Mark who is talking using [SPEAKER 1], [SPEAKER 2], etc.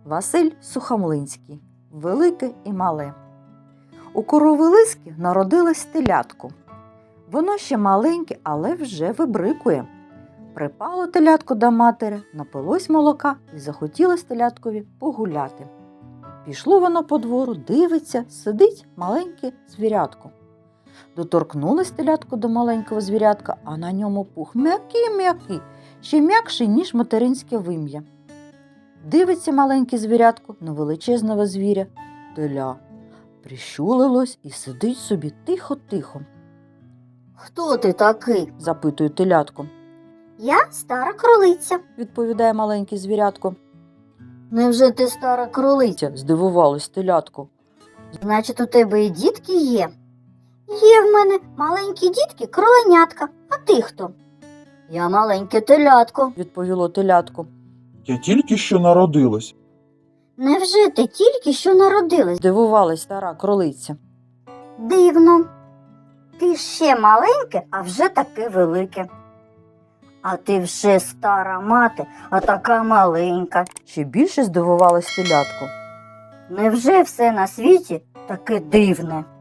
[SPEAKER 1] Василь Сухомлинський. Велике і мале. У корови Лиски народилось телятко. Воно ще маленьке, але вже вибрикує. Припало телятко до матері, напилось молока і захотілось теляткові погуляти. Пішло воно по двору, дивиться, сидить маленьке звірятко. Доторкнулось телятко до маленького звірятка, а на ньому пух м'який, ще м'якший, ніж материнське вим'я. Дивиться маленьке звірятко на величезного звіря. Теля прищулилось і сидить собі тихо-тихо.
[SPEAKER 2] Хто ти такий?
[SPEAKER 1] Запитує телятко.
[SPEAKER 2] Я стара кролиця.
[SPEAKER 1] Відповідає маленьке звірятко.
[SPEAKER 2] Невже ти стара кролиця?
[SPEAKER 1] Здивувалось телятко.
[SPEAKER 2] Значить, у тебе і дітки є? Є в мене маленькі дітки, кроленятка. А ти хто? Я маленьке телятко.
[SPEAKER 1] Відповіло телятко.
[SPEAKER 3] Я тільки що народилась.
[SPEAKER 2] Невже ти тільки що народилась?
[SPEAKER 1] Здивувалась стара кролиця.
[SPEAKER 2] Дивно. Ти ще маленьке, а вже таке велике. А ти вже стара мати, а така маленька.
[SPEAKER 1] Ще більше здивувалась телятко.
[SPEAKER 2] Невже все на світі таке дивне?